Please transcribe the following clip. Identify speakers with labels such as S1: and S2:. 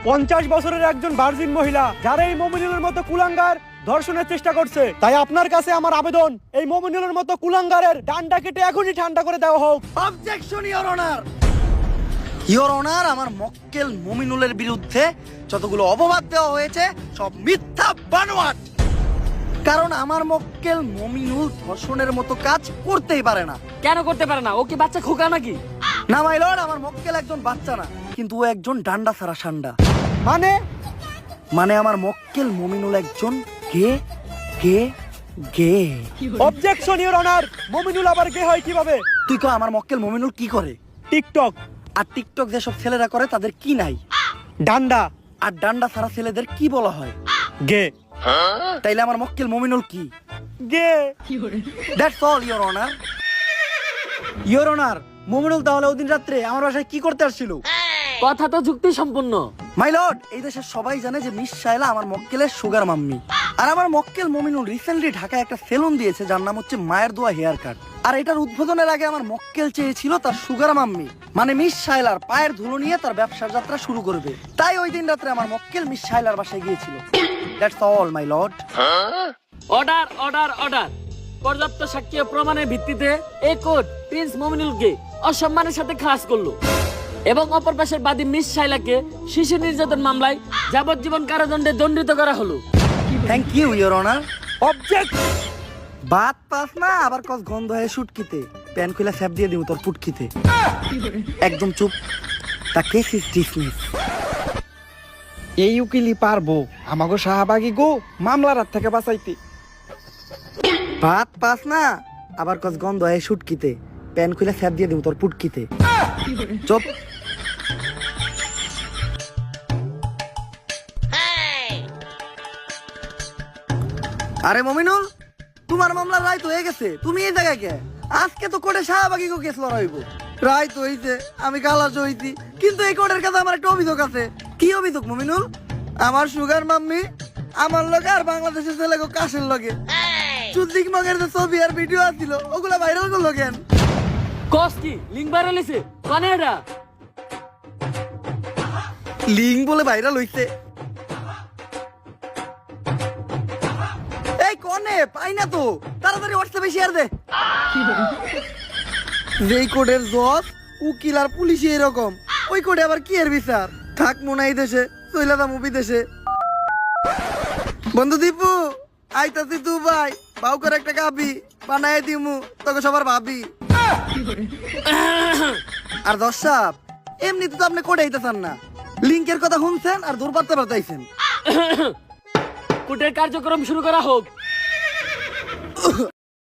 S1: 50 বছরের একজন ভার্জিন মহিলা যারা এই মমিনুলের মতো কুলাঙ্গার ধর্ষণের চেষ্টা করছে, তাই আপনার কাছে আমার আবেদন, এই মমিনুলের মতো কুলাঙ্গারের ডান্ডা কেটে এখনই ঠান্ডা করে দেওয়া হোক।
S2: Objection your honour. Your honour, আমার মক্কেল মমিনুলের বিরুদ্ধে যতগুলো অপবাদ দেওয়া হয়েছে সব মিথ্যা বানোয়াট। কারণ আমার মক্কেল মমিনুল ধর্ষণের মতো কাজ করতেই পারে না।
S3: কেন করতে পারে না? ও কি বাচ্চা খোকা নাকি?
S2: না মাই লর্ড, আমার মক্কেল একজন বাচ্চা না, কিন্তু ও একজন ডান্ডা ছাড়া সান্ডা। মানে আমার মক্কেল মমিনুল একজন gay gay gay.
S1: Objection your honour, Mominul আবার গে হয় কিভাবে?
S2: তুই কো আমার মক্কেল মমিনুল কি করে?
S1: টিকটক।
S2: আর টিকটক যেসব ছেলেরা করে তাদের কি নাই?
S1: ডান্ডা।
S2: আর ডান্ডা ছাড়া ছেলেদের কি বলা হয়?
S1: গে।
S2: তাইলে আমার মক্কেল মমিনুল কি?
S1: Gay.
S2: That's all your honour. Your honour, Mominul তাহলে ওদিন রাত্রে আমার বাসায় কি করতে আসছিল?
S3: কথা তো যুক্তি সম্পূর্ণ।
S2: মাই লর্ড, এই দেশের সবাই জানে যে মিস শায়লা আমার মক্কেলের সুগার মাম্মি। আর আমার মক্কেল মমিনুল রিসেন্টলি ঢাকায় একটা সেলুন দিয়েছে যার নাম হচ্ছে মায়ের দোয়া হেয়ার কাট। আর এটার উদ্বোধনের আগে আমার মক্কেল চেয়েছিল তার সুগার মাম্মি মানে মিস শায়লার পায়ের ধুলো নিয়ে তার ব্যবসার যাত্রা শুরু করবে। তাই ওই দিন রাত্রে আমার মক্কেল মিস শায়লার বাসায় গিয়েছিল। That's all my lord.
S3: Order order order. পর্যাপ্ত সাক্ষ্য প্রমাণের ভিত্তিতে এই কোর্ট প্রিন্স মমিনুলকে অসম্মানের সাথে খালাস করলো এবং অপর পাশের বাদী মিস শাইলাকে শিশু নির্যাতন মামলায় যাবজ্জীবন কারাদণ্ডে দণ্ডিত করা হলো।
S2: Thank you your honour.
S1: Object.
S2: বাত পাস না আবার কস গন্ধ হয়ে শুটকিতে প্যান খুলে স্যাপ দিয়ে দিব তোর পুটকিতে। একদম চুপ। তা কেস ইজ ডিসমিস।
S1: এই উকিলই পারবো আমাগো শাহবাগী গো মামলার হাত থেকে বাঁচাইতে।
S2: বাত পাস না আবার কস গন্ধ হয়ে শুটকিতে প্যান খুলে স্যাপ দিয়ে দিব তোর পুটকিতে। চুপ। আরে মমিনুল, তোমার মামলা রায় তো হয়ে গেছে, তুমি এই জায়গায় কে? আজকে তো কোর্টে শাহবাগী কেস লড়াইব। রায় তো হইছে, আমি খালাস হইছি, কিন্তু এই কোর্টের কাছে আমার একটা অভিযোগ আছে। কি অভিযোগ মমিনুল? আমার সুগার মাম্মি আমার লগে আর বাংলাদেশের ছেলে কাশের লগে চুদ্দিক মগের যে ছবি আর ভিডিও আসছিল ওগুলা ভাইরাল করলো কেন?
S3: কস কি লিঙ্ক ভাইরাল হইছে? কোনে এটা?
S2: লিঙ্ক বলে ভাইরাল হইছে? এই কোনে পাই না তো, তাড়াতাড়ি হোয়াটসঅ্যাপে শেয়ার দে। যেই কোডের জজ উকিল আর পুলিশ এরকম, ওই কোডে আবার কি এর বিচার? থাক মনে এই দেশে, চইলাদা মুভি দেশে। বন্ধু দীপু, আইতাছি দুবাই, বাউ করে একটা কাবি বানায় দিমু তোকে সবার ভাবি। আর দর্শক, এমনিতে তো আপনি কোডে আইতাছেন না, লিঙ্কের কথা শুনছেন আর দূর পারতে পারতাইছেন।
S3: কোর্টের কার্যক্রম শুরু করা হোক।